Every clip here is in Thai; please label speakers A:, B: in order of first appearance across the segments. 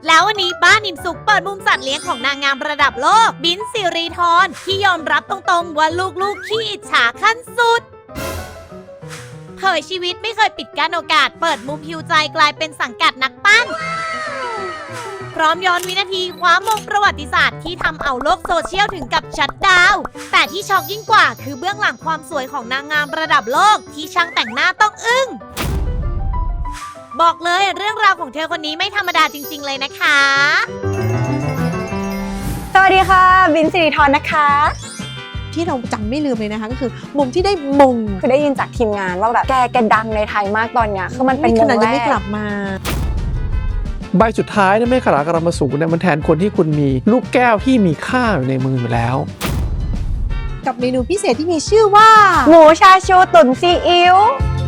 A: แล้ววันนี้บ้านอิ่มสุขเปิดมุมสัตว์เลี้ยงของนางงามระดับโลกบิ้นสิริธรที่ยอมรับตรงๆว่าลูกๆขี้อิจฉาขั้นสุดเผยชีวิตไม่เคยปิดกั้นโอกาสเปิดมุมฮิวใจกลายเป็นสังกัดนักปั้นพร้อมย้อนวินาทีคว้ามงประวัติศาสตร์ที่ทำเอาโลกโซเชียลถึงกับชัตดาวน์แต่ที่ช็อกยิ่งกว่าคือเบื้องหลังความสวยของนางงามระดับโลกที่ช่างแต่งหน้าต้องอึ้งบอกเลยเรื่องราวของเธอคนนี้ไม่ธรรมดาจริงๆเลยนะคะ
B: สวัสดีค่ะบินสิริธรนะคะ
C: ที่เราจำไม่ลืมเลยนะคะก็คือมุมที่ได้มง
B: คือได้ยินจากทีมงานว่าแบบแกดังในไทยมากตอนเนี้ยคือมันเป็นมงแรก
C: ยังไม่กลับมา
D: ใบสุดท้ายเนี่ยไม่ขลากระมาสูงเนี่ยมันแทนคนที่คุณมีลูกแก้วที่มีค่าอยู่ในมืออยู่แล้ว
C: กับเมนูพิเศษที่มีชื่อว่า
B: หมูชาชูตุ๋นซีอิ๊ว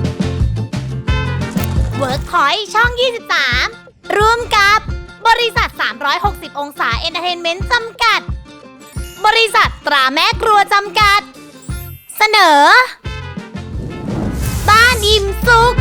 A: Workpoint ช่อง 23 ร่วมกับบริษัท 360 องศาเอนเตอร์เทนเมนต์จำกัดบริษัทตราแม่ครัวจำกัดเสนอบ้านอิ่มสุข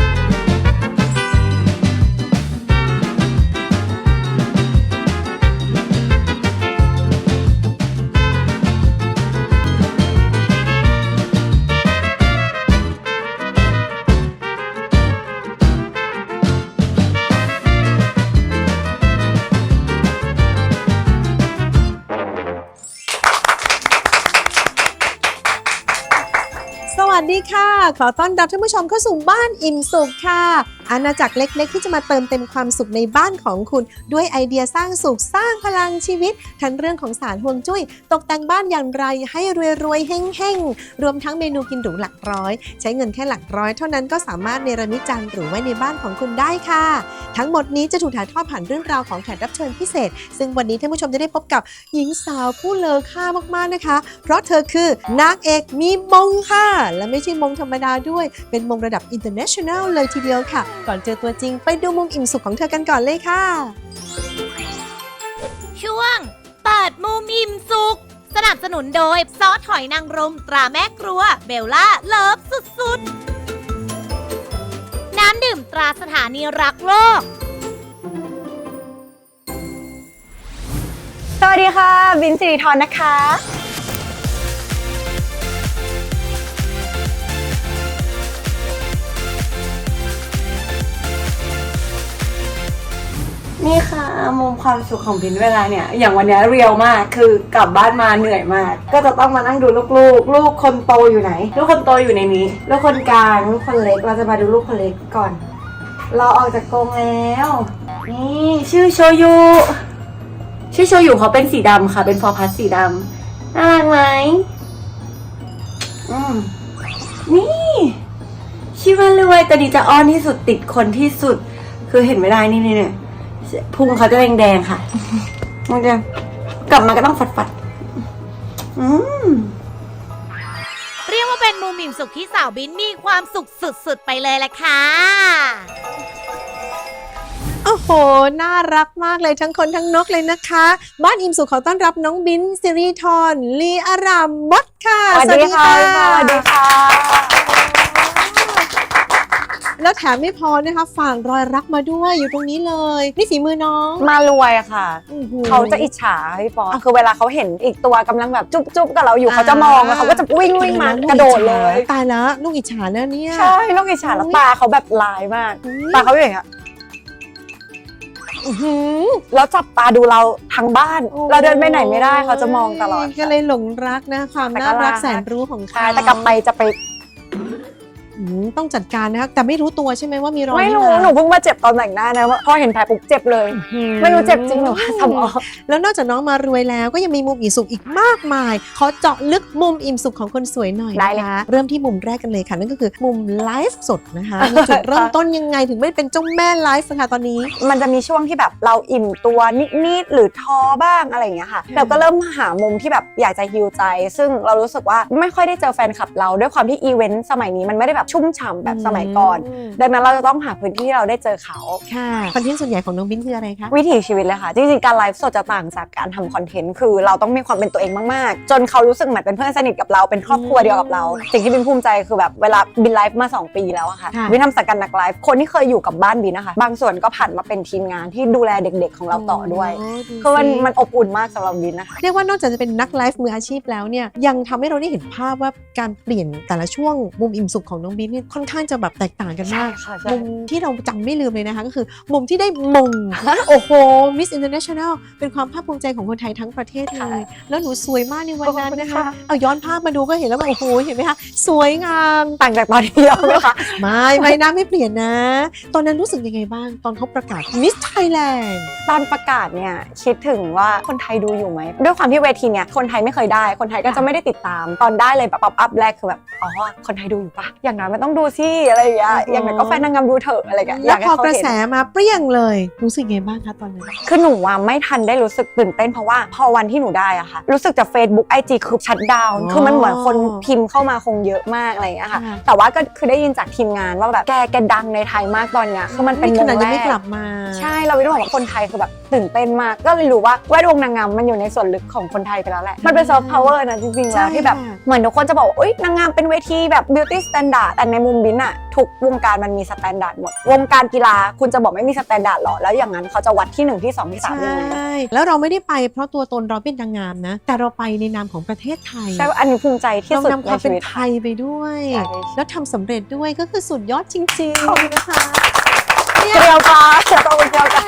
C: สวัสดีค่ะขอต้อนรับท่านผู้ชมเข้าสู่บ้านอิ่มสุขค่ะอาณาจักรเล็กๆที่จะมาเติมเต็มความสุขในบ้านของคุณด้วยไอเดียสร้างสุขสร้างพลังชีวิตทั้งเรื่องของศาสตร์ฮวงจุ้ยตกแต่งบ้านอย่างไรให้รวยๆเฮ้งๆรวมทั้งเมนูกินหรูหลักร้อยใช้เงินแค่หลักร้อยเท่านั้นก็สามารถเนรมิตจานหรูไว้ในบ้านของคุณได้ค่ะทั้งหมดนี้จะถูกถ่ายทอดผ่านเรื่องราวของแขกรับเชิญพิเศษซึ่งวันนี้ท่านผู้ชมจะได้พบกับหญิงสาวผู้เลอค่ามากๆนะคะเพราะเธอคือนางเอกมีมงค่ะและไม่ใช่มงธรรมดาด้วยเป็นมงระดับ international เลยทีเดียวค่ะก่อนเจอตัวจริงไปดูมุมอิ่มสุขของเธอกันก่อนเลยค่ะ
A: ช่วงเปิดมุมอิ่มสุขสนับสนุนโดยซอสหอยนางรมตราแม่ครัวเบลล่าเลิฟสุดๆน้ำดื่มตราสถานีรักโลก
B: สวัสดีค่ะบินสิริธรนะคะนี่ค่ะมุมความสุขของบินเวลาเนี่ยอย่างวันนี้เรียวมากคือกลับบ้านมาเหนื่อยมากก็จะต้องมานั่งดูลูกคนโตอยู่ไหนลูกคนโตอยู่ในนี้ลูกคนกลางลูกคนเล็กเราจะมาดูลูกคนเล็กก่อนเราออกจากกรงแล้วนี่ชื่อโชยุเขาเป็นสีดำค่ะเป็นฟอร์พัสสีดำน่ารักไหมนี่ชิวารวยแต่ดีจะอ้อนที่สุดติดคนที่สุดคือเห็นไม่ได้นี่เนี่ยพุงเขาจะแดงๆค่ะมันจะกลับมาก็ต้องฝัด
A: เรียกว่าเป็นมุมอิ่มสุขที่สาวบิ้นมีความสุขสุดๆไปเลยแหละค่ะ
C: โอ้โหน่ารักมากเลยทั้งคนทั้งนกเลยนะคะบ้านอิ่มสุขขอต้อนรับน้องบิ้นสิริธรลีอารามมดค่ะ
B: สวัสดีค่ะสวัสดีค่ะ
C: แล้วแถมไม่พอนะคะฝากรอยรักมาด้วยอยู่ตรงนี้เลยนี่ฝีมือน้อง
B: มารวยอะค่ะเขาจะอิจฉาพี่ปอคือเวลาเขาเห็นอีกตัวกำลังแบบจุ๊บกับเราอยู่เขาจะมองแล้วเขาก็จะวิ่งมากระโดดเลย
C: ตายแล้วลูกอิจฉานะเนี่ย
B: ใช่ลูกอิจฉาแล้วตาเขาแบบลายมากตาเขาอย่างเงี้ยแล้วจับตาดูเราทั้งบ้านเราเดินไปไหนไม่ได้เขาจะมองตลอด
C: ก็เลยหลงรักนะความน่ารักแสนรู้ของเขา
B: แต่กลับไปจะไป
C: ต้องจัดการนะครับแต่ไม่รู้ตัวใช่ไหมว่ามีรอย
B: ไม่รู้หนูเพิ่งมาเจ็บตอนแต่งหน้านะว่าพอเห็นแผลปุ๊บเจ็บเลยไม่รู้เจ็บจริงหรือว่าสมอง
C: แล้วนอกจากน้องมารวยแล้วก็ยังมีมุมอิ่มสุขอีกมากมายขอเจาะลึกมุมอิ่มสุขของคนสวยหน่อยนะคะเริ่มที่มุมแรกกันเลยค่ะนั่นก็คือมุมไลฟ์สดนะคะจุดเริ่มต้นยังไงถึงไม่เป็นเจ้าแม่ไลฟ์ค่ะตอนนี้
B: มันจะมีช่วงที่แบบเราอิ่มตัวนิดๆหรือท้อบ้างอะไรอย่างเงี้ยค่ะเราก็เริ่มหามุมที่แบบอยากจะฮีลใจซึ่งเรารู้สึกว่าไม่ค่อยได้เจอแฟนคลับเราด้วยความที่อีเวนต์สมัยนี้มันไม่ได้แบบ
E: แบบชุ่มฉ่ำแบบสมัยก่อนดังนั้นเราจะต้องหาพื้นที่ที่เราได้เจอเขา
C: ค่ะคอนเทนต์ส่วนใหญ่ของน้องบิ้นคืออะไรคะ
E: วิถีชีวิตเลยค่ะจริงๆการไลฟ์สดจะต่างจากการทำคอนเทนต์คือเราต้องมีความเป็นตัวเองมากๆจนเขารู้สึกเหมือนเป็นเพื่อนสนิทกับเราเป็นครอบครัวเดียวกับเราสิ่งที่บินภูมิใจคือแบบเวลาบินไลฟ์มา2 ปีแล้วอะค่ะบินทำสังกัดนักไลฟ์คนที่เคยอยู่กับบ้านบินนะคะบางส่วนก็ผ่านมาเป็นทีมงานที่ดูแลเด็กๆของเราต่อด้วยคือมันอบอุ่นมากสำหรับบินนะคะ
C: เรียกว่านอกจากจะเป็นนักไลฟ์มืออาชีพแล้วเนี่ยยังทำให้เราได้เห็นภาพว่าการเปลี่ยนแต่ละช่วงมุมอิ่มสุขของน้องบิ้นเนี่ยค่อนข้างจะแบบแตกต่างกันมาก
E: ใช่ค่ะ
C: มุมที่เราจำไม่ลืมเลยนะคะก็คือมุมที่ได้มง โอ้โห Miss International เป็นความภาคภูมิใจของคนไทยทั้งประเทศเลย แล้วหนูสวยมากในวันนั้นนะคะ เอาย้อนภาพมาดูก็เห็นแล้วว่าโอ้โหเห็นไหมคะสวยงาม
E: ต่างจากตอนที่เราไหมคะ
C: ไม่นะไม่เปลี่ยนนะ ตอนนั้นรู้สึกยังไงบ้างตอนเขาประกาศ Miss Thailand
E: ตอนประกาศเนี่ยคิดถึงว่าคนไทยดูอยู่ไหมด้วยความที่เวทีเนี่ยคนไทยไม่เคยได้คนไทยก็จะไม่ได้ติดตามตอนได้เลยแบบป๊อปอัพแรกคือแบบอ๋อคนไทยดูอยู่ปะอย่างน้อยมันต้องดูสิอะไรอย่างเงี้ยอย่างน้อยก็แฟนนางงามดูเถอะอะไรอย่างเงี้ย
C: แล้วพอกระแสมาเปรี้ยงเลยรู้สึกยังไงบ้างคะตอนนั้น
E: คือหนูว่าไม่ทันได้รู้สึกตื่นเต้นเพราะว่าพอวันที่หนูได้อะค่ะรู้สึกจาก Facebook IG คือชัตดาวน์คือมันเหมือนคนพิมพ์เข้ามาคงเยอะมากอะไรอย่างเงี้ยค่ะแต่ว่าก็คือได้ยินจากทีมงานว่าแบบแกดังในไทยมากตอนเนี้ยคือมันเป็น
C: ขนาดยัง
E: แร
C: ไม่
E: ก
C: กลับมา
E: ใช่เราไม่ต้องบอกว่าคนไทยคือแบบตื่นเต้นมากก็เลยรู้ว่าแวดวงนางงามมันอยู่ในส่วนลึกของคนไทยไปแล้วแหละมันเป็นซอฟต์พาวเวอร์นะจริงๆแล้วที่แบบเหมือนทุกคนจะบอกว่าอุ๊ยนางงามเป็นเวทีแบบ beauty standard แต่ในมุมบินอะทุกวงการมันมีสแตนดาร์ดหมดวงการกีฬาคุณจะบอกไม่มีสแตนดาร์ดหรอแล้วอย่างนั้นเขาจะวัดที่1ที่2ที่3ยังไง
C: ใช่แล้วเราไม่ได้ไปเพราะตัวตนเราเป็นนางงามนะแต่เราไปในนามของประเทศไทย
E: ใช่ว่าอันนี้ภูมิใจที่
C: เรา
E: สุด
C: นำค
E: ใน
C: วามเป็
E: ชี
C: น
E: วิต
C: ไทยไปด้วย
E: ใช่
C: แล้วทำสำเร็จด้วยก็คือสุดยอดจริงๆนะคะ
E: เกลียวจ้าเชียร์ตัวเกลียวจ้า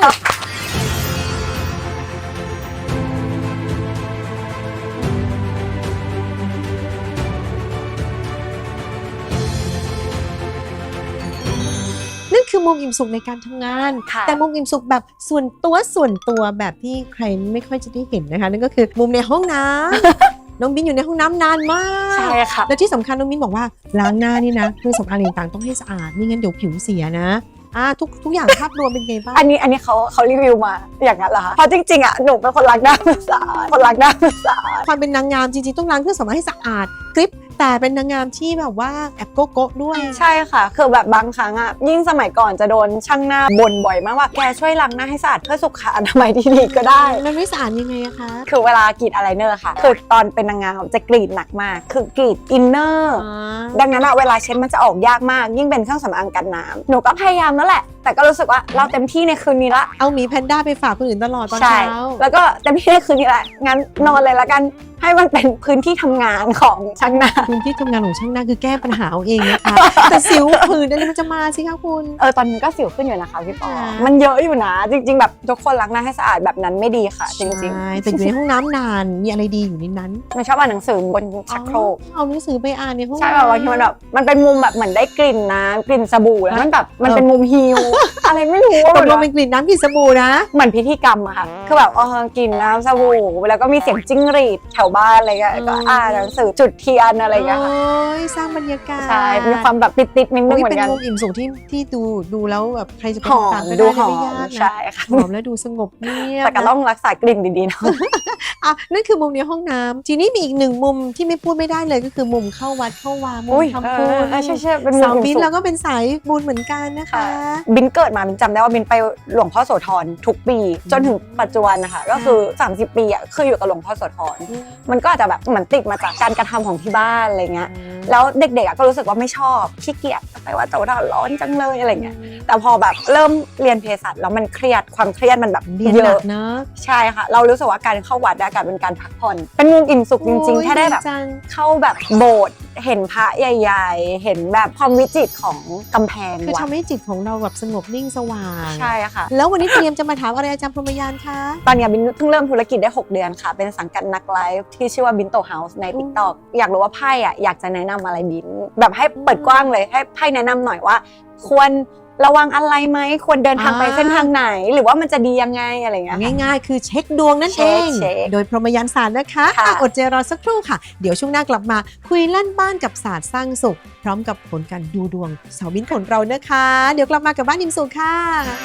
C: นั่นคือมุมอิ่มสุขในการทำงาน
E: ค่ะ
C: แต่มุมอิ่มสุขแบบส่วนตัวแบบที่ใครไม่ค่อยจะได้เห็นนะคะนั่นก็คือมุมในห้องน้ำ น้องบินอยู่ในห้องน้ำนานมาก
E: ใช่ค่ะ
C: และที่สำคัญน้องบินบอกว่าล้างหน้านี่นะเครื่องสำอางต่างๆต้องให้สะอาดไม่งั้นเดี๋ยวผิวเสียนะทุกอย่างภาพรวมเป็นไงบ้าง
E: อันนี้เขารีวิวมาอย่างนั้นเหรอคะเพราะจริงๆอ่ะหนูเป็นคนรักหน้าสะอาดคนรักหน้าสะอาด
C: ความเป็นนางงามจริงๆต้องล้างเครื่องสำอางให้สะอาดกริบแต่เป็นนางงามที่แบบว่าแอบโก๊ะด้วย
E: ใช่ค่ะคือแบบบางครั้งอ่ะยิ่งสมัยก่อนจะโดนช่างหน้าบ่นบ่อยมากว่าแกช่วยล้างหน้าให้สะอาดเพื่อสุขอนามัยที่ดีก็ได้
C: มันไม่สะอาดยังไงอะคะ
E: คือเวลากรีดอายไลเนอร์ค่ะคือตอนเป็นนางงามจะกรีดหนักมากคือกรีดอินเนอร์ดังนั้นอะเวลาเช็ดมันจะออกยากมากยิ่งเป็นเครื่องสำอางกันน้ำหนูก็พยายามนั่นแหละแต่ก็รู้สึกว่าเราเต็มที่ในคืนนี้ละ
C: เอาหมีแพนด้าไปฝากคนอื่นตลอดตอน
E: ใช่
C: เช้า
E: แล้วก็เต็มที่ในคืนนี้แหละงั้นนอนเลยละกันให้มันเป็นพื้นที่ทำงานของช่างหน้า
C: พื้นที่ทำงานของช่างหน้าคือแก้ปัญหาเอาเองนะคะ แต่สิวผื่นอะไรมันจะมาสิคะคุณ
E: ตอนนี้ก็สิวขึ้นอยู่นะคะพี่ปอ
C: ค่ะ
E: มันเยอะอยู่นะจริง ๆ แบบทุกคนล้างหน้าให้สะอาดแบบนั้นไม่ดีค่ะจริง
C: ใช่แต่อยู่ในห้องน้ำนานมีอะไรดีอยู่ในนั้น
E: ๆไม่ชอบอ่านหนังสือบนชักโครก
C: เอาหนังสือไปอ่านในห้อง
E: ใช่แบบบางทีมันแบบมันเป็นมุมแบบเหมือนได้กลิ่นน้ำกลิ่นสบู่แล้วมันแบบมันเป็นมุมฮิล อะไรไม่รู้
C: ต
E: อะ
C: กลงเป็นกลิ่นน้ำกลิ่นสบู่นะ
E: เหมือนพิธีกรรมอะค่ะคือแบบกลิ่นน้ำสบู่แล้วก็มีเสียงจิ้งหรีดแถวบ้านอะไรเงี้ยก็อ่านหนังสือจุดเทียนอะไรเงี้ยค่ะ
C: โอ้ยสร้างบรรยากาศ
E: ใช่มีความแบบติดๆนิดนึง
C: โอ้ย
E: เหมือ
C: เป็น
E: นกัน
C: มุมอิ่มสุขที่ดูแล้วแบบใครจะไป
E: หอ
C: ตาม
E: ม
C: ก็
E: ดู
C: ได้
E: หอ
C: ไม่ยาก
E: ม
C: นะ
E: ใช่ค่ะ
C: หอมแล้วดูสงบเงียบ
E: แต่ก็ต้องรักษากลิ่นดีๆเนาะ
C: นั่นคือมุมในห้องน้ำทีนี้มีอีกหนึ่งมุมที่ไม่พูดไม่ได้เลยก็คือมุมเข้าวัดเข้าวามุมทำบุญ
E: ใช่ๆเป็นมุม
C: สาวบิน
E: สุข
C: แล้วก็เป็นสายบุญเหมือนกันนะคะ
E: บินเกิดมาบินจำได้ว่าบินไปหลวงพ่อโสธรทุกปี จนถึงปัจจุบันนะคะก็คือ30 ปีอ่ะคืออยู่กับหลวงพ่อโสธรมันก็อาจจะแบบเหมือนติดมาจากการกระทำของที่บ้านอะไรเงี้ยแล้วเด็กๆก็รู้สึกว่าไม่ชอบขี้เกียจไปว่าโสธรร้อนจังเลยอะไรเงี้ยแต่พอแบบเริ่มเรียนเภสัชแล้วมันเครียดความเครียดมันแบบ
C: เรียน
E: เย
C: หนั
E: อะ
C: กเนอะ
E: ใช่ค่ะเรารู้สึกว่าการเข้าวัดกลายเป็นการพักผ่อนเป็นมุมอิ่มสุขจริงๆแค่ได้แบบ
C: จัง
E: เข้าแบบโบสถ์เห็นพระใหญ่ๆ เห็นแบบความวิจิตรของกำแพง
C: คือ
E: วัด
C: ทำให้จิตของเราแบบสงบนิ่งสว่าง
E: ใช่ค่ะ
C: แล้ววันนี้เตรียมจะมาถามอะไรอาจารย์พรหมยานคะ
E: ตอนนี้บินเพิ่งเริ่มธุรกิจได้6 เดือนค่ะ เป็นสังกัดนักไลฟ์ที่ชื่อว่าบินโตเฮาส์ใน TikTok อยากรู้ว่าไพ่อะอยากจะแนะนำอะไรบิน แบบให้เปิดกว้างเลยให้ไพ่แนะนำหน่อยว่า ควรระวังอะไรไหมควรเดินทางไปเส้นทางไหน หรือว่ามันจะดียังไงอะไรอย่างเงี้ยค่ะ
C: ง่ายๆ คือเช็คดวงนั่นเอง
E: เช็ค
C: โดยพรหมยานศาสตร์นะคะ
E: ค่ะ
C: อดใจรอสักครู่ค่ะ เดี๋ยวช่วงหน้ากลับมาคุยลั่นบ้านกับศาสตร์สร้างสุข พร้อมกับผลการดูดวงสาวบินของเรานะคะ เดี๋ยวกลับมากับบ้านอิ่มสุขค่ะ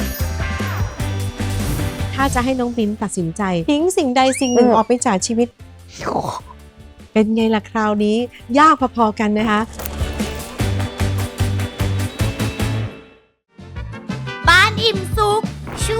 C: ถ้าจะให้น้องบินตัดสินใจทิ้งสิ่งใดสิ่งหนึ่งออกไปจากชีวิต เป็นไงล่ะคราวนี้ ยากพอๆกันนะคะ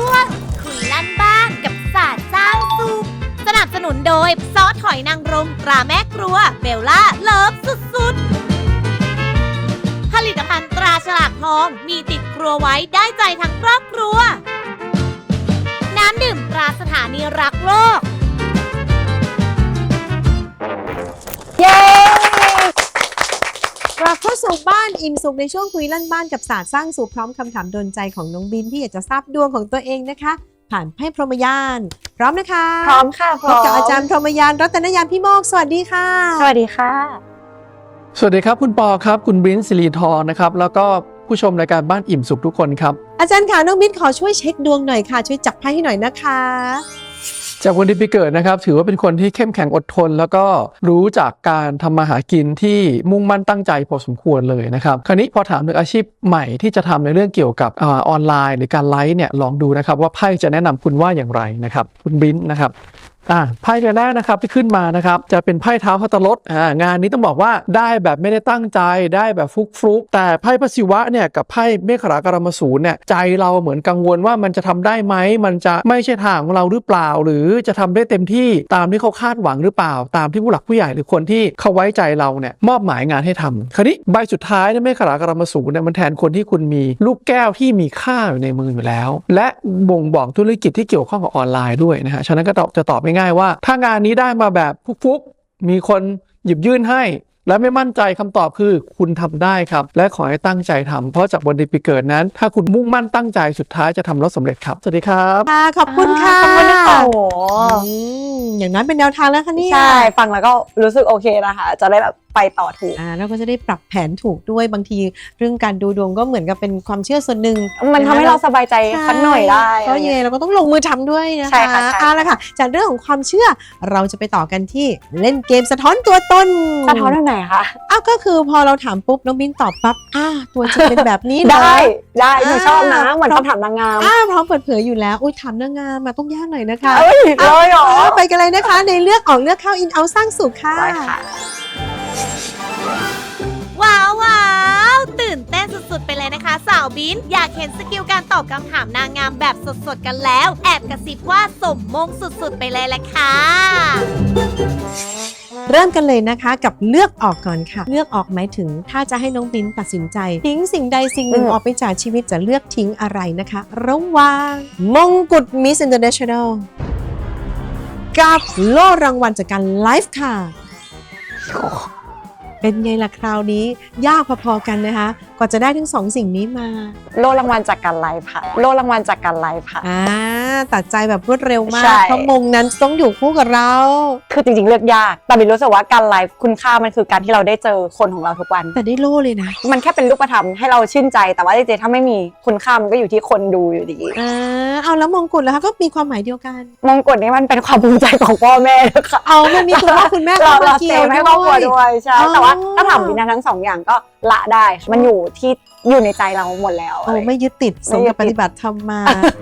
A: วงคุยลั่นบ้านกับศาสตร์สร้างสุขสนับสนุนโดยซอสหอยนางรมตราแม่ครัวเบลล่าเลิฟสุดๆผลิตภัณฑ์ตราฉลากทองมีติดครัวไว้ได้ใจทั้งครอบครัวน้ำดื่มตราสถานีรักโลก
E: เย้
C: กลับเข้าสู่บ้านอิ่มสุขในช่วงคุยลั่นบ้านกับศาสตร์สร้างสุขพร้อมคำถามโดนใจของน้องบินที่อยากจะทราบดวงของตัวเองนะคะ ผ่านไพ่พรหมยาน พร้อมนะคะ
E: พร้อมค่ะพ
C: พ
E: ร้
C: บ
E: อม
C: กับอาจารย์พรหมยานรัตนยานพี่โมกสวัสดีค่ะ
E: สวัสดีค่ะ
D: สวัสดีครับคุณปอครับคุณบรินซ์สิริธรนะครับแล้วก็ผู้ชมรายการบ้านอิ่มสุขทุกคนครับ
C: อาจารย์ค่ะน้องบินขอช่วยเช็คดวงหน่อยค่ะช่วยจับไพ่ให้หน่อยนะคะ
D: จากวันที่ปีเกิดนะครับถือว่าเป็นคนที่เข้มแข็งอดทน แล้วก็รู้จากการทำมาหากินที่มุ่งมั่นตั้งใจพอสมควรเลยนะครับคราวนี้พอถามถึงอาชีพใหม่ที่จะทำในเรื่องเกี่ยวกับออนไลน์หรือการไลฟ์เนี่ยลองดูนะครับว่าไพ่จะแนะนำคุณว่าอย่างไรนะครับคุณบรินซ์นะครับไพ่ใบแรกนะครับที่ขึ้นมานะครับจะเป็นไพ่เท้าพัตลดงานนี้ต้องบอกว่าได้แบบไม่ได้ตั้งใจได้แบบฟลุกๆแต่ไพ่พระศิวะเนี่ยกับไพ่เมฆรากรมสูรเนี่ยใจเราเหมือนกังวลว่ามันจะทำได้ไหมมันจะไม่ใช่ทางของเราหรือเปล่าหรือจะทำได้เต็มที่ตามที่เขาคาดหวังหรือเปล่าตามที่ผู้หลักผู้ใหญ่หรือคนที่เขาไว้ใจเราเนี่ยมอบหมายงานให้ทำคราวนี้ใบสุดท้ายเนี่ยเมฆรากรมสูรเนี่ยมันแทนคนที่คุณมีลูกแก้วที่มีค่าอยู่ในมืออยู่แล้วและบ่งบอกธุรกิจที่เกี่ยวข้องกับออนไลน์ด้วยนะฮะฉะนั้นก็จะตอบง่ายๆว่าถ้างานนี้ได้มาแบบฟุกๆมีคนหยิบยื่นให้และไม่มั่นใจคำตอบคือคุณทำได้ครับและขอให้ตั้งใจทำเพราะจากวันเดือนปีเกิดนั้นถ้าคุณมุ่งมั่นตั้งใจสุดท้ายจะทำแล้วสำเร็จครับสวัสดีครับ
C: ค่ะขอบคุณค่ะ
E: ขอบคุณค่ะโอ้โห
C: อย่างนั้นเป็นแนวทางแล้วค่ะเนี่ย
E: ใช่ฟังแล้วก็รู้สึกโอเคนะคะจะได้แบบไปต่อถูก
C: แล้วก็จะได้ปรับแผนถูกด้วยบางทีเรื่องการดูดวงก็เหมือนกับเป็นความเชื่อส่วนหนึ่ง
E: มันทำให้เราสบายใจสักหน่อยได้
C: เพราะยังไงเราก็ต้องลงมือทำด้วยนะคะ
E: ใช่ค่ะใช่
C: เอาละค่ะจากเรื่องของความเชื่อเราจะไปต่อกันที่เล่นเกมสะท้อนตัวตน
E: สะท้อนแบบไหนคะ
C: ก็คือพอเราถามปุ๊บน้องบินตอบปั๊บตัวจริงเป็นแบบนี้เหรอ
E: ได้หนูชอบนะเหมือนคำถามนางงาม
C: พร้อมเปิดเผยอยู่แล้วอุ้ยถามนางงามมาต้องยากหน่อยนะคะ
E: เอ้ยเลยเหรอ
C: ไปกันเลยนะคะในเลือกออกเลือกเข้าอินเอาสร้างสุขค่ะ
E: ได้ค่ะ
A: ว้าวตื่นเต้นสุดๆไปเลยนะคะสาวบินอยากเห็นสกิลการตอบคำถามนางงามแบบสดๆกันแล้วแอบกระซิบว่าสมมงสุดๆไปเลยแหละค่ะ
C: เริ่มกันเลยนะคะกับเลือกออกก่อนค่ะเลือกออกหมายถึงถ้าจะให้น้องบินตัดสินใจทิ้งสิ่งใดสิ่งหนึ่งออกไปจากชีวิตจะเลือกทิ้งอะไรนะคะระหว่างมงกุฎ Miss International กับโล่รางวัลจากการไลฟ์ค่ะเป็นไงล่ะคราวนี้ยากพอๆกันนะคะกว่าจะได้ทั้งสองสิ่งนี้มา
E: โล่รางวัลจากการไลฟ์ค่ะโล่รางวัลจากการไลฟ์ค่ะ
C: ตัดใจแบบรวดเร็วมา
E: ใช่
C: กเพราะมงนั้นต้องอยู่คู่กับเรา
E: คือจริงๆเลือกยากแต่บินรู้สึกว่าการไลฟ์คุณค่ามันคือการที่เราได้เจอคนของเราทุกวัน
C: แต่ได้โล่เลยนะ
E: มันแค่เป็นรูปธรรมให้เราชื่นใจแต่ว่าจริงๆถ้าไม่มีคุณค่ามันก็อยู่ที่คนดูอยู่ดี
C: เอาแล้วมงกุฎแล้วคะก็มีความหมายเดียวกัน
E: มงกุฎนี้มันเป็นความภูมิใจของพ่อแม่นะคะ
C: มันมีคุณพ่อคุณแม่
E: เรา
C: เข้ามาเกี่
E: เซ
C: ยว
E: ฟให้ครอบครัว
C: ด้
E: ด้
C: ว
E: วย ยใช่แต่ว่าถ้าถามบินนะทั้งสองอย่างก็ละได้มันอยู่ในใจเราหมดแล้ว
C: ไม่ยึดติดสมกับปฏิบัติธรรมมา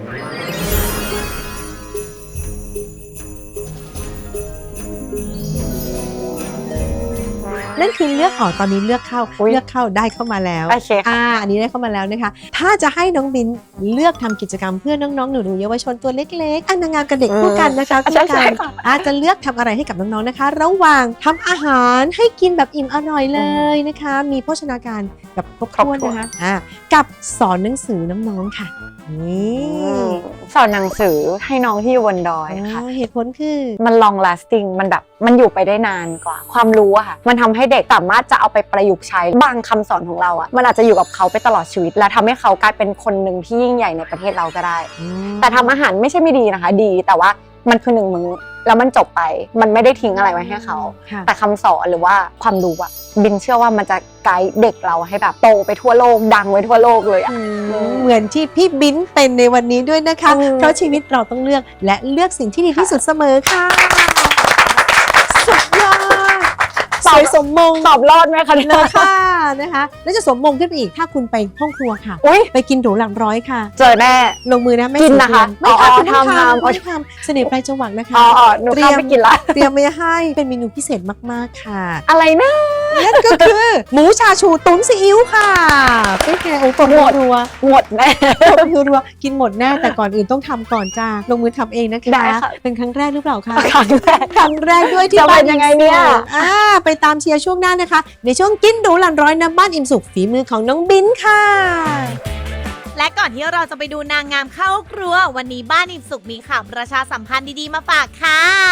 C: นั่นคือเลือกออกตอนนี้เลือกเข้าได้เข้ามาแล้ว
E: โอเคค่ะ
C: อันนี้ได้เข้ามาแล้วนะคะถ้าจะให้น้องบินเลือกทำกิจกรรมเพื่อน้องๆหนูๆเยาวชนตัวเล็กๆนางงามกับเด็กคู่กันนะคะคู่
E: ใช่
C: กัน
E: ค่ะ
C: อาจจะเลือกทำอะไรให้กับน้องๆนะคะ ระหว่างทำอาหารให้กินแบบอิ่มอร่อยเลยนะคะ มีโภชนาการแบบครบถ้วนนะคะกับสอนหนังสือน้องๆค่ะนี่
E: สอนหนังสือให้น้องที่อยู่บนดอยค่ะ
C: เหตุผลคือ
E: มัน long lasting มันอยู่ไปได้นานกว่า ความรู้อะค่ะมันทำให้เด็กสามารถจะเอาไปประยุกต์ใช้บางคำสอนของเราอะมันอาจจะอยู่กับเขาไปตลอดชีวิตและทำให้เขากลายเป็นคนหนึ่งที่ยิ่งใหญ่ในประเทศเราก็ได้ แต่ทำอาหารไม่ใช่ไม่ดีนะคะดีแต่ว่ามันคือ1 มื้อแล้วมันจบไปมันไม่ได้ทิ้งอะไรไว้ให้เขา
C: ค่ะ
E: แต่คำสอนหรือว่าความรู้อะบินเชื่อว่ามันจะไกด์เด็กเราให้แบบโตไปทั่วโลกดังไว้ทั่วโลกเลยอะ
C: เหมือนที่พี่บิ้นเป็นในวันนี้ด้วยนะคะ เพราะชีวิตเราต้องเลือกและเลือกสิ่งที่ดีที่สุดเสมอค่ะ สุดยอดสวยสมมง
E: ตอบรอดไหมคะ
C: เล
E: เนี่ย
C: ยค่ะนะคะแล้วจะสมมงขึ้นไปอีกถ้าคุณไปห้องครัวค่ะ
E: อุ๊ย
C: ไปกินหรูหลักร้อยค่ะ
E: เจอแน่
C: ลงมือนะไม่
E: กินนะคะ
C: ไม่
E: อ๋อ
C: ทำคุณต้อง
E: ทำ
C: ไม่ทำเสน่ห์ปลายจังหวะนะคะ
E: หนูเข้าไปกินละ
C: เตรียมไว้ให้เป็นเมนูพิเศษมากๆค่ะ
E: อะไรนะ
C: นั่นก็คือหมูชาชูตุ๋นซีอิ๊วค่ะเป็นไงโอ้ปวดรัว
E: หมดแน่
C: รัวๆกินหมดแน่แต่ก่อนอื่นต้องทำก่อนจ้าลงมือทำเองนะคะ
E: ได้ค่ะ
C: เป็นครั้งแรกหรือเปล่าคะ
E: ครั้งแรก
C: ครั้งแรกด้วยที่
E: จะ
C: บ้า
E: เป็น นยังไงเนี่ย
C: ไปตามเชียร์ช่วงหน้านะคะ ในช่วงกินหรูหลันร้อยน้ำบ้านอิ่มสุขฝีมือของน้องบิ้นค่ะ
A: และก่อนที่เราจะไปดูนางงามเข้าครัว วันนี้บ้านอิ่มสุขมีข่าวประชาสัมพันธ์ดีๆมาฝากค่ะ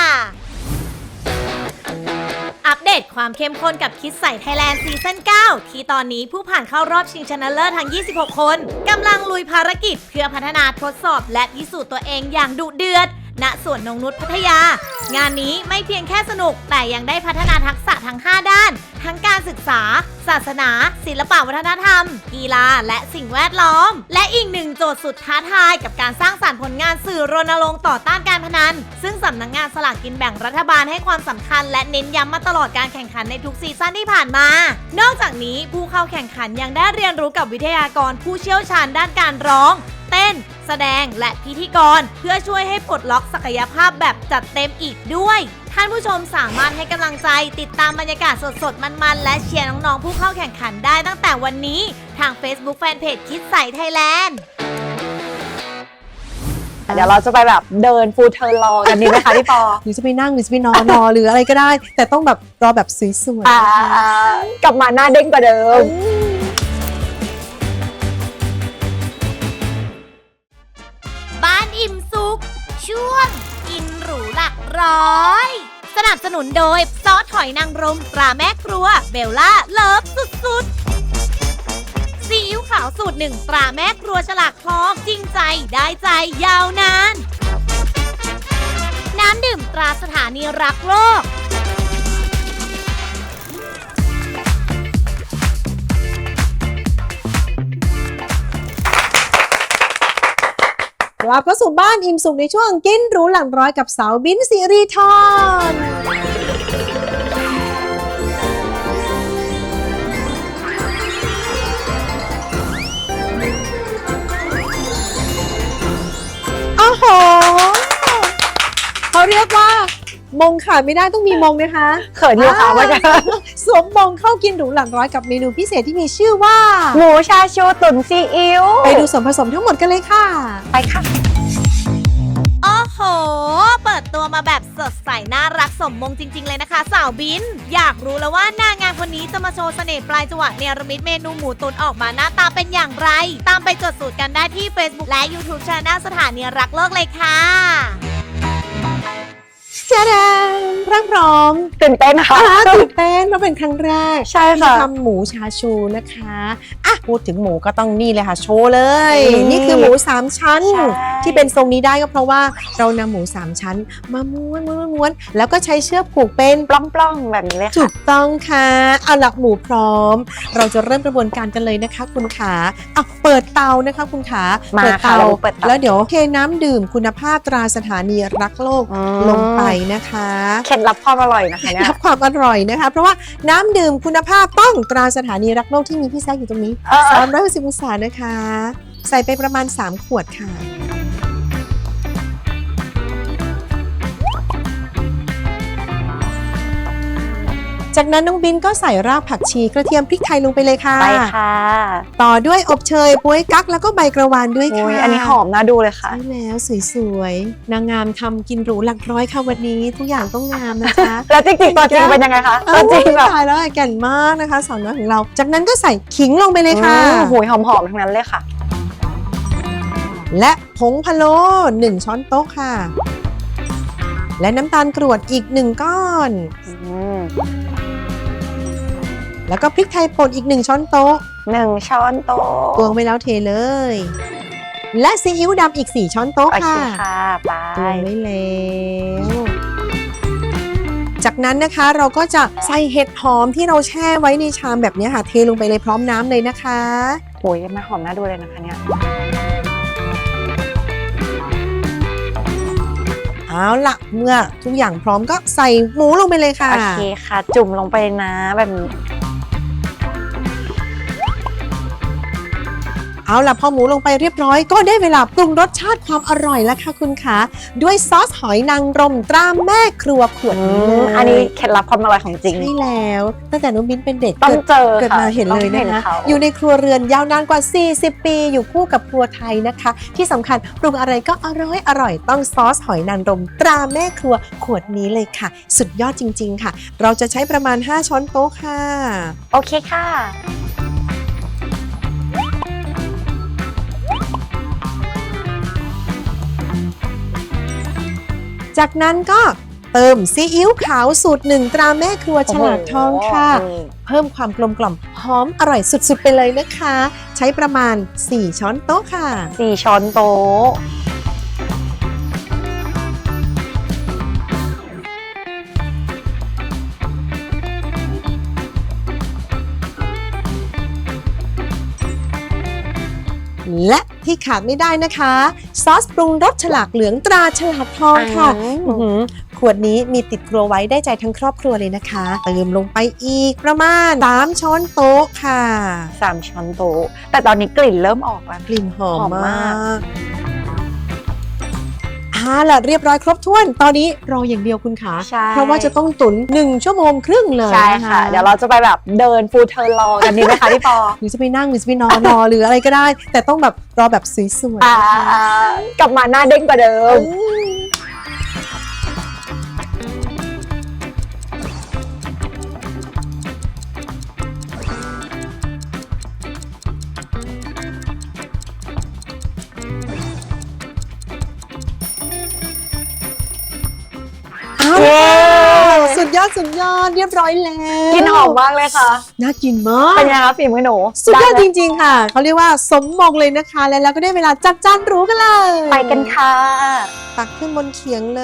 A: อัปเดตความเข้มข้นกับคิดใส่ไทยแลนด์ซีซั่น 9 ที่ตอนนี้ผู้ผ่านเข้ารอบชิงชนะเลิศทั้ง 26 คนกำลังลุยภารกิจเพื่อพัฒนาทดสอบและพิสูจน์ตัวเองอย่างดุเดือด ณ สวนนงนุชพัทยา งานนี้ไม่เพียงแค่สนุกแต่ยังได้พัฒนาทักษะทั้ง 5 ด้าน ทั้งการศึกษา ศาสนา ศิลปวัฒนธรรม กีฬา และสิ่งแวดล้อม และอีกหนึ่งโจทย์สุดท้าทายกับการสร้างสรรค์ผลงานสื่อรณรงค์ต่อต้านการพนัน ซึ่งสำนักงานสลากกินแบ่งรัฐบาลให้ความสำคัญและเน้นย้ำมาตลอดการแข่งขันในทุกซีซั่นที่ผ่านมา นอกจากนี้ผู้เข้าแข่งขันยังได้เรียนรู้กับวิทยากรผู้เชี่ยวชาญด้านการร้อง เต้น แสดงและพิธีกรเพื่อช่วยให้ปลดล็อกศักยภาพแบบจัดเต็มอีกด้วย ท่านผู้ชมสามารถให้กำลังใจติดตามบรรยากาศสดๆมันๆและเชียร์น้องๆผู้เข้าแข่งขันได้ตั้งแต่วันนี้ทาง Facebook Fanpage คิดใส่ไทยแลนด์
E: เดี๋ยวเราจะไปแบบเดินฟูลเทิร์นรอกันดีไหมคะพี่ปอ
C: หรือจะไปนั่งหรือจะไปนอนหรืออะไรก็ได้ แต่ต้องแบบรอแบบสวยๆ
E: กลับมาหน้าเด้งกว่าเดิม
A: บ้านอิ่มสุขช่วงกินหรูหลักร้อยสนับสนุนโดยซอสหอยนางรมตราแม่ครัวเบลล่าเลิฟสุดๆซีอิ๊วขาวสูตร 1 ตราแม่ครัวฉลากทองจริงใจได้ใจยาวนาน น้ำดื่มตราสถานีรักโลก
C: กลับเข้าสู่บ้านอิ่มสุขในช่วงกินหรูหลังร้อยกับสาวบิ้นสิริธรโอ้โหเขาเรียกว่ามงขาดไม่ได้ต้องมีมงนะคะ
E: เขินอยู่ค่ะว่าจะ
C: สวมมงเข้ากินหรูหลังร้อยกับเมนูพิเศษที่มีชื่อว่า
E: หมูชาชูตุ๋นซีอิ๊ว
C: ไปดูส่วนผสมทั้งหมดกันเลยค่ะ
E: ไปค่ะ
A: โอ้โห เปิดตัวมาแบบสดใสน่ารักสมมงจริง ๆ เลยนะคะสาวบิน อยากรู้แล้วว่านางงามคนนี้จะมาโชว์เสน่ห์ปลายจังหวะเนรมิตเมนูหมูตุ๋นออกมาหน้าตาเป็นอย่างไร ตามไปจดสูตรกันได้ที่ Facebook และ YouTube Channel สถานีรักโลกเลยค่ะ
C: จ้าดานพร้อม
E: ตื่นเต้นนะคะ
C: ตื่นเต้นเพราะเป็นครั้งแรก
E: ใช่ค่ะ
C: ที่ทำหมูชาชูนะคะอ่ะพูดถึงหมูก็ต้องนี่เลยค่ะโชว์เลย
E: อืม
C: นี่คือหมู3ชั้น
E: ใช่
C: ที่เป็นทรงนี้ได้ก็เพราะว่าเรานำหมู3ชั้นมาม้วนแล้วก็ใช้เชือกผูกเป็น
E: ปล้องๆแบบนี้เลย
C: ถู
E: ค่ะ
C: กต้องค่ะเอาหลักหมูพร้อม เราจะเริ่มกระบวนการกันเลยนะคะ คุณขาอ่ะเปิดเตานะคะคุณขา
E: มา
C: เปิด
E: ค่ะ
C: เตา
E: เราเปิดเตา
C: แล้วเดี๋ยวเทน้ำดื่มคุณภาพตราสถานีรักโลก
E: อืม
C: ลงไปนะคะ
E: เคล็ดลับความอร่อยนะคะเนี่ย
C: รับความอร่อยนะคะ เพราะว่าน้ำดื่มคุณภาพต้องตราสถานีรักโลกที่มีพี่แซกอยู่ตรงนี้360องศานะคะ ใส่ไปประมาณ3ขวดค่ะ จากนั้นน้องบินก็ใส่รากผักชีกระเทียมพริกไทยลงไปเลยค่ะ
E: ไปค่ะ
C: ต่อด้วยอบเชยบ๊วยกั๊กแล้วก็ใบกระวานด้วย
E: โอ้
C: ค่ะ
E: ยอันนี้หอมน่าดูเลยค่ะ
C: ใช่แล้วสวยๆนางงามทำกินหรูหลักร้อยค่ะวันนี้ทุกอย่างต้องงามนะคะ
E: แล้วจริงๆตัวจริงเป็นยังไงคะตัวจริงแบบ
C: ตายแล้วแก่นมากนะคะสาวน้อยของเรา จากนั้นก็ใส่ขิงลงไปเลยค่ะ
E: หูยหอมๆทั้งนั้นเลยค่ะ
C: และผงพะโล้1ช้อนโต๊ะค่ะ และน้ำตาลกรวดอีก1ก้อน แล้วก็พริกไทยป่นอีก1ช้อนโต๊ะ
E: 1 ช้อนโต๊ะ
C: ตวงไปแล้วเทเลย และซีอิ๊วดำอีก4ช้อนโต๊ะ
E: โอเค
C: ค่ะ
E: ค่ะไป
C: ตวงไว้แล้ว จากนั้นนะคะเราก็จะใส่เห็ดหอมที่เราแช่ไว้ในชามแบบนี้ค่ะ เทลงไปเลยพร้อมน้ำเลยนะคะ
E: โอ้ยมันหอมน่าดูเลยนะคะเนี่ย
C: เอาล่ะเมื่อทุกอย่างพร้อมก็ใส่หมูลงไปเลยค่ะ
E: โอเคค่ะ จุ่มลงไปนะแบบนี้
C: เอาล่ะพอหมูลงไปเรียบร้อยก็ได้เวลาปรุงรสชาติความอร่อยแล้วค่ะคุณคะด้วยซอสหอยนางรมตราแม่ครัวขวดนี้เลย
E: อันนี้เคล็ดลับความอร่อยของจริง
C: ใช่แล้วตั้งแต่น้องมิ้นเป็นเด็ก
E: ต้องเจอ
C: เกิด
E: ค่ะ
C: มาเห็นเลยนะคะ
E: เขา
C: อยู่ในครัวเรือนยาวนานกว่า 40 ปีอยู่คู่กับครัวไทยนะคะ ที่สำคัญปรุงอะไรก็อร่อยต้องซอสหอยนางรมตราแม่ครัวขวดนี้เลยค่ะ สุดยอดจริง ๆ ค่ะ เราจะใช้ประมาณ 5 ช้อนโต๊ะค่ะ
E: โอเคค่ะ
C: จากนั้นก็เติมซีอิ๊วขาวสูตร1ตราแม่ครัวฉลาดทองค่ะ เพิ่มความกลมกล่อมหอมอร่อยสุดๆไปเลยนะคะ ใช้ประมาณ 4 ช้อนโต๊ะค่ะ
E: 4 ช้อนโต๊ะ
C: และที่ขาดไม่ได้นะคะ ซอสปรุงรสฉลากเหลืองตราฉลาดทองค่ะอื้อหือขวดนี้มีติดครัวไว้ได้ใจทั้งครอบครัวเลยนะคะ เติมลงไปอีกประมาณ 3 ช้อนโต๊ะค่ะ
E: 3 ช้อนโต๊ะ แต่ตอนนี้กลิ่นเริ่มออกแล้ว
C: กลิ่นหอม
E: หอม
C: มาม
E: าก
C: กล่ะเรียบร้อยครบถ้วน ตอนนี้รออย่างเดียวคุณขา
E: ใช่
C: เพราะว่าจะต้องตุ๋น1 ชั่วโมงครึ่งเลย
E: ใช่
C: น
E: ค่ะ เดี๋ยวเราจะไปแบบเดินฟูลเทิร์นรอกันดีไหมคะพี่ปอ
C: หรือจะไปนั่งหรือจะไปนอนรอหรืออะไรก็ได้ แต่ต้องแบบรอแบบสวยๆนะคะ
E: กลับมาหน้าเด้งกว่าเดิม
C: อ้าว
E: เย้
C: สุดยอดเรียบร้อยแล้ว
E: กินหอมมากเลยค่ะ
C: น่ากินมาก
E: เป็นยังไงคะฝีมือหนู
C: สุดยอด
E: ไไหม
C: จริงๆค่ะ เขาเรียกว่าสมมงเลยนะคะ แล้วก็ได้เวลาจัดจานหรู้กันเลย
E: ไปกันค่ะ
C: ตักขึ้นบนเขียงเลย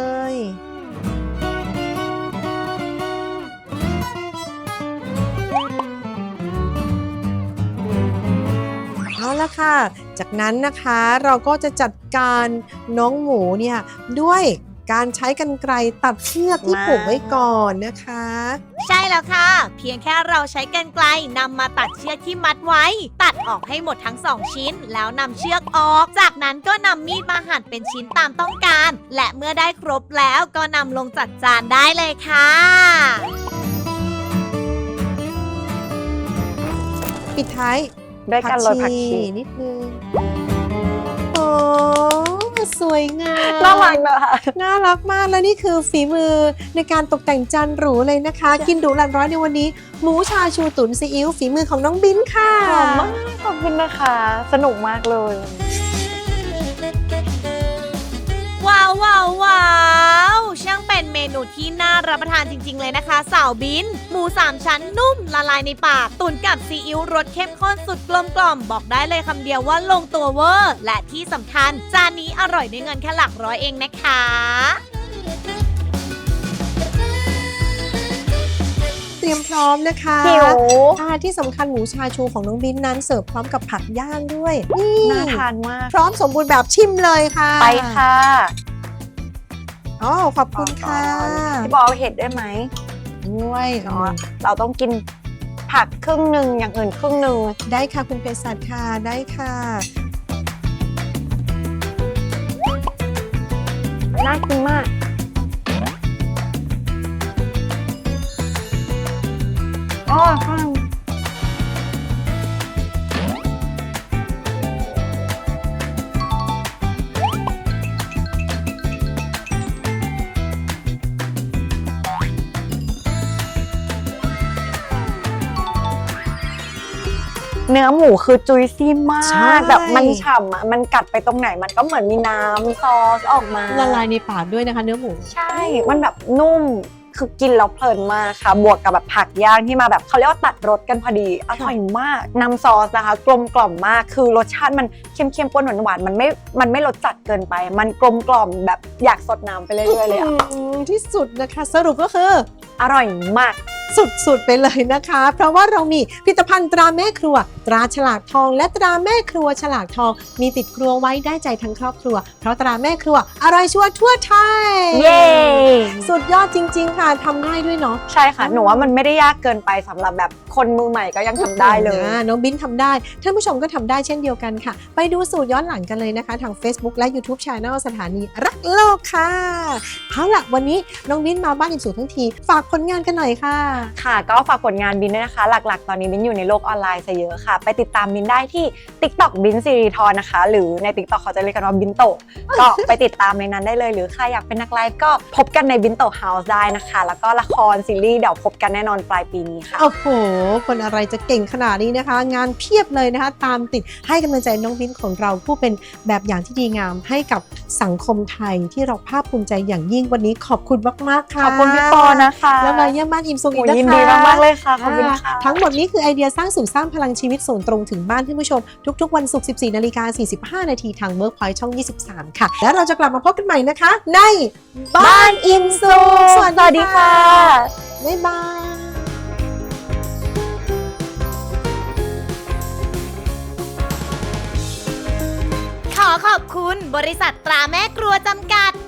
C: เอาละค่ะ จากนั้นนะคะเราก็จะจัดการน้องหมูเนี่ยด้วยการใช้กรรไกรตัดเชือกที่ผูกไว้ก่อนนะคะ
A: ใช่แล้วค่ะ เพียงแค่เราใช้กรรไกรนำมาตัดเชือกที่มัดไว้ ตัดออกให้หมดทั้ง 2 ชิ้น แล้วนำเชือกออก จากนั้นก็นำมีดมาหั่นเป็นชิ้นตามต้องการ และเมื่อได้ครบแล้วก็นำลงจัดจานได้เลยค่ะ
C: ปิดท้าย
E: ด้วยการโรยผักชี
C: นิดนึง โอ้สวยงาม
E: น่ารักนะคะ
C: น่ารักมากแล้วนี่คือฝีมือในการตกแต่งจานหรูเลยนะคะ กินดูหลันร้อยในวันนี้ หมูชาชูตุ๋นซีอิ๊วฝีมือของน้องบิ้นค่ะ
E: หอมมากขอบคุณนะคะ สนุกมากเลย
A: ว้าวว้าวว้าวช่างเป็นเมนูที่น่ารับประทานจริง ๆ เลยนะคะสาวบิน หมู 3 ชั้นนุ่มละลายในปาก ตุ๋นกับซีอิ๊วรสเข้มข้นสุดกลมกล่อมบอกได้เลยคำเดียวว่าลงตัวเวอร์ และที่สำคัญ จานนี้อร่อยด้วยเงินแค่หลักร้อยเองนะคะ
C: เตรียมพร้อมนะคะ
E: หิว
C: ที่สำคัญหมูชาชูของน้องบิ้นนั้นเสิร์ฟพร้อมกับผักย่างด้วยนี่
E: น่าทานมาก
C: พร้อมสมบูรณ์แบบชิมเลยค่ะ
E: ไปค่ะ
C: อ๋อขอบคุณค่ะ
E: พี่บอลเอาเห็ดได้ไหม
C: ด้วย
E: เนาะเราต้องกินผักครึ่งหนึ่งอย่างอื่นครึ่งหนึ่ง
C: ได้ค่ะคุณเภสัชค่ะได้ค่ะ
E: น่ากินมาก อ๋อข้าง เนื้อหมูคือจุยซี่มา
C: ใช่
E: กแบบมันฉ่ำอ่ะมันกัดไปตรงไหนมันก็เหมือนมีน้ำซอสออกมา
C: ละลายในปากด้วยนะคะเนื้อหมู
E: ใช่ มันแบบนุ่มคือกินแล้วเพลินมากค่ะ บวกกับแบบผักย่างที่มาแบบเขาเรียกว่าตัดรสกันพอดีอร่อยมากน้ำซอสนะคะกลมกล่อมมากคือรสชาติมันเค็มๆปนหวานๆมันไม่รสจัดเกินไป มันกลมกล่อมแบบอยากสดน้ำไปเรื่อยๆเลยอ่ะ
C: ที่สุดนะคะ สรุปก็คือ
E: อร่อยมาก
C: สุดๆไปเลยนะคะ เพราะว่าเรามีผลิตภัณฑ์ตราแม่ครัว ตราฉลากทอง และตราแม่ครัวฉลากทอง มีติดครัวไว้ได้ใจทั้งครอบครัว เพราะตราแม่ครัวอร่อยชัวร์ทั่วไทย
E: เย้
C: สุดยอดจริงๆค่ะทำง่ายด้วยเนาะ
E: ใช่ค่ะ หนูว่ามันไม่ได้ยากเกินไปสำหรับแบบคนมือใหม่ก็ยังทำได้เลย
C: น้องบิ้นทำได้ ท่านผู้ชมก็ทำได้เช่นเดียวกันค่ะ ไปดูสูตรย้อนหลังกันเลยนะคะ ทาง Facebook และ YouTube Channel สถานีรักโลกค่ะเอาล่ะวันนี้น้องบิ้นมาบ้านอิ่มสุขทั้งทีฝากผลงานกันหน่อยค่ะ
E: ค่ะก็ฝากผลงานบินด้วยนะคะ หลักๆ ตอนนี้บินอยู่ในโลกออนไลน์ซะเยอะค่ะ ไปติดตามบินได้ที่ TikTok บินสิริธรนะคะ หรือใน TikTok เขาจะเรียกกันว่าบินโตะ ก็ไปติดตามในนั้นได้เลย หรือใครอยากเป็นนักไลฟ์ก็พบกันในบินโตะเฮาส์ได้นะคะ แล้วก็ละครซีรีส์เดี๋ยวพบกันแน่นอนปลายปีนี้ค่ะ
C: โอ้โห คนอะไรจะเก่งขนาดนี้นะคะ งานเพียบเลยนะคะ ตามติดให้กำลังใจน้องบิ้นของเราผู้เป็นแบบอย่างที่ดีงามให้กับสังคมไทยที่เราภาคภูมิใจอย่างยิ่งวันนี้ขอบคุณมากๆค่ะ
E: ขอบคุณพี่ปอนะคะ
C: แล้วมาเยี่ยมบ้านอิ่มสุขอีกนะคะ
E: ยินดีมากๆเลยค่ะ ขอบคุณค่ะ
C: ทั้งหมดนี้คือไอเดียสร้างสุขสร้างพลังชีวิตส่งตรงถึงบ้านท่านผู้ชม ทุกๆวันศุกร์ 14:45 นาทีทาง Workpoint ช่อง 23 ค่ะ แล้วเราจะกลับมาพบกันใหม่นะคะ ในบ้านอิ่มสุข
E: สวัสดีค่ะ
C: บ๊ายบาย
A: ขอขอบคุณบริษัทตราแม่ครัวจำกัด